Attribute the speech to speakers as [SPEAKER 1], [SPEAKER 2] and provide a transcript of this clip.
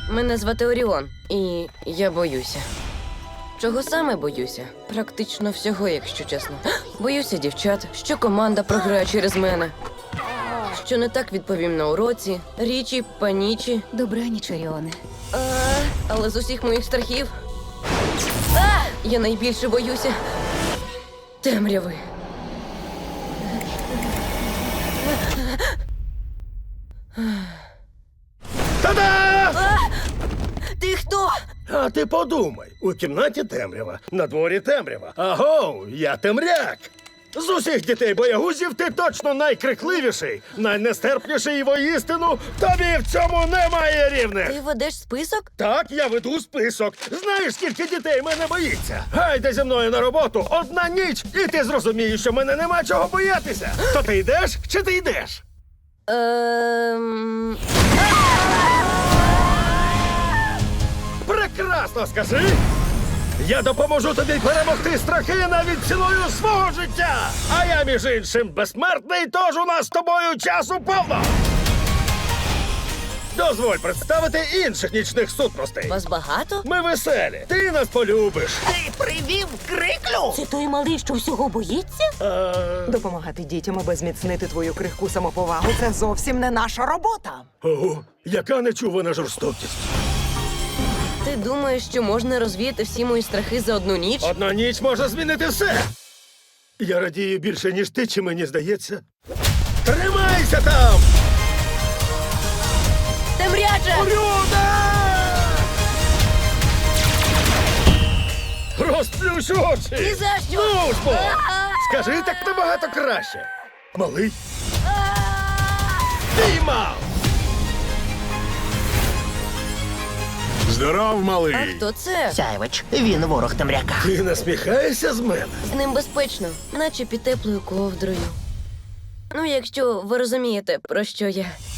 [SPEAKER 1] Мене звати Оріон, і я боюся. Чого саме боюся? Практично всього, якщо чесно. Боюся дівчат, що команда програє через мене. Що не так відповім на уроці, річі, панічі.
[SPEAKER 2] Добраніч, Оріоне.
[SPEAKER 1] Але з усіх моїх страхів я найбільше боюся темряви.
[SPEAKER 3] Та-да!
[SPEAKER 1] Ти хто?
[SPEAKER 3] А ти подумай, у кімнаті темрява, на дворі темрява. Агов, я темряк. З усіх дітей-боягузів ти точно найкрикливіший, найнестерпніший і воістину тобі в цьому немає рівних.
[SPEAKER 1] Ти ведеш список?
[SPEAKER 3] Так, я веду список. Знаєш, скільки дітей мене боїться? Гайде зі мною на роботу, одна ніч, і ти зрозумієш, що мене нема чого боятися. То ти йдеш чи ти йдеш? Прекрасно, скажи! Я допоможу тобі перемогти страхи навіть ціною свого життя! А я, між іншим, безсмертний, тож у нас з тобою часу повно! Дозволь представити інших нічних сутностей.
[SPEAKER 1] Вас багато?
[SPEAKER 3] Ми веселі. Ти нас полюбиш.
[SPEAKER 4] Ти привів криклю?
[SPEAKER 2] Це той малий, що всього боїться?
[SPEAKER 4] Допомагати дітям, аби зміцнити твою крихку самоповагу – це зовсім не наша робота.
[SPEAKER 3] Ого, яка нечувана жорстокість.
[SPEAKER 1] Ти думаєш, що можна розвіяти всі мої страхи за одну ніч?
[SPEAKER 3] Одна ніч може змінити все. Я радію більше, ніж ти, чи мені здається. Тримайся там!
[SPEAKER 1] Темряче!
[SPEAKER 3] Люда! Розплющ очі!
[SPEAKER 1] Ні за що!
[SPEAKER 3] Ну ж бо! Скажи, так набагато краще. Малий? Піймав!
[SPEAKER 5] Здоров, малий.
[SPEAKER 1] А хто це?
[SPEAKER 4] Сяйвич, він ворог темряка.
[SPEAKER 3] Ти насміхаєшся з мене?
[SPEAKER 1] З ним безпечно, наче під теплою ковдрою. Ну, якщо ви розумієте, про що я.